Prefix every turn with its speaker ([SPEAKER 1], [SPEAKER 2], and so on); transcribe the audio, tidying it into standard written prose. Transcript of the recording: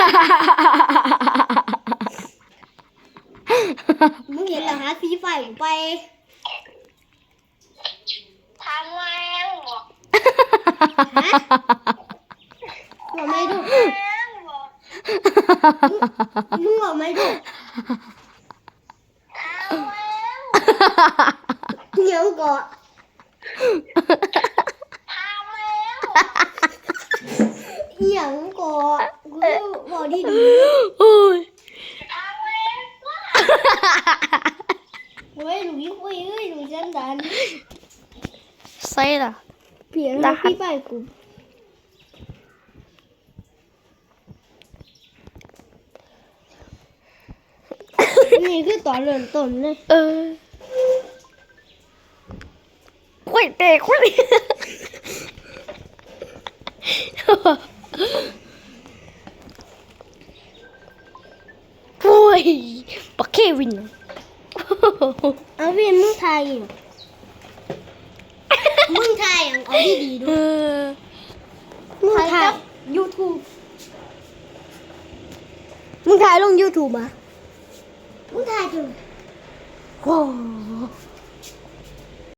[SPEAKER 1] มึงเห็นเหรอฮะซีไฟกูไป
[SPEAKER 2] ทำไมบอก
[SPEAKER 1] ฮะบอกไม่ดูมึงบอกไม่ดูเดี๋ยวก่อนเดี๋ยวก่อนกูบอกดีดีโอ้ยเฮ้ยหนูยิ่งคุยเฮ้ยหนูจันดัน
[SPEAKER 3] Say là
[SPEAKER 1] เปลี่ยนให้พี่ไปกูนี่คือตอนเริ่มต้นเลย
[SPEAKER 3] quay tè quay ui bà Kevin
[SPEAKER 1] เอาเวียนมึงไทยมึงไทยเอาดีดีดูมึงไทย YouTube มึงถ่ายลง YouTube อ่ะมึงถ่ายจัง
[SPEAKER 3] wow